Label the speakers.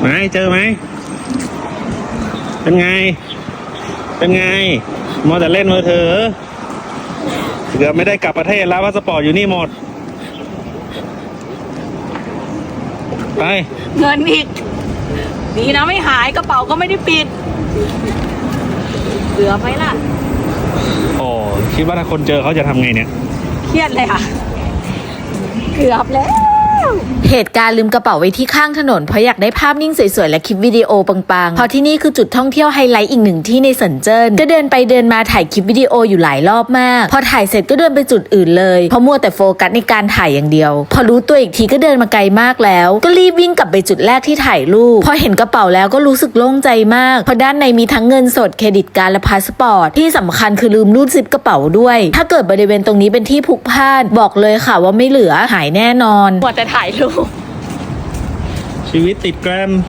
Speaker 1: ไหนเจอไหมเป็นไงมัวแต่เล่นมือถือเกือบไม่ได้กลับประเทศแล้วพาสปอร์ตอยู่นี่หมดไป
Speaker 2: เงินอีกดีนะไม่หายกระเป๋าก็ไม่ได้ปิดเกือบไหมล่ะ
Speaker 1: โอ้คิดว่าถ้าคนเจอเขาจะทำไงเนี่ย
Speaker 2: เครียดเลยค่ะเกือบแล้ว
Speaker 3: เหตุการณ์ลืมกระเป๋าไว้ที่ข้างถนนเพราะอยากได้ภาพนิ่งสวยๆและคลิปวิดีโอปังๆเพราะที่นี่คือจุดท่องเที่ยวไฮไลท์อีกหนึ่งที่ในเซินเจิ้นก็เดินไปเดินมาถ่ายคลิปวิดีโออยู่หลายรอบมากพอถ่ายเสร็จก็เดินไปจุดอื่นเลยเพราะมัวแต่โฟกัสในการถ่ายอย่างเดียวพอรู้ตัวอีกทีก็เดินมาไกลมากแล้วก็รีบวิ่งกลับไปจุดแรกที่ถ่ายรูปพอเห็นกระเป๋าแล้วก็รู้สึกโล่งใจมากเพราะด้านในมีทั้งเงินสดเครดิตการ์ดและพาสปอร์ตที่สำคัญคือลืมรูดซิปกระเป๋าด้วยถ้าเกิดบริเวณตรงนี้เป็นที่พลุกพล่านบอกเลยค่ะว่าไม่เหลือหายแน่นอน
Speaker 2: มัวแต่ถ่ายรูป
Speaker 1: ชีวิตติดแกรม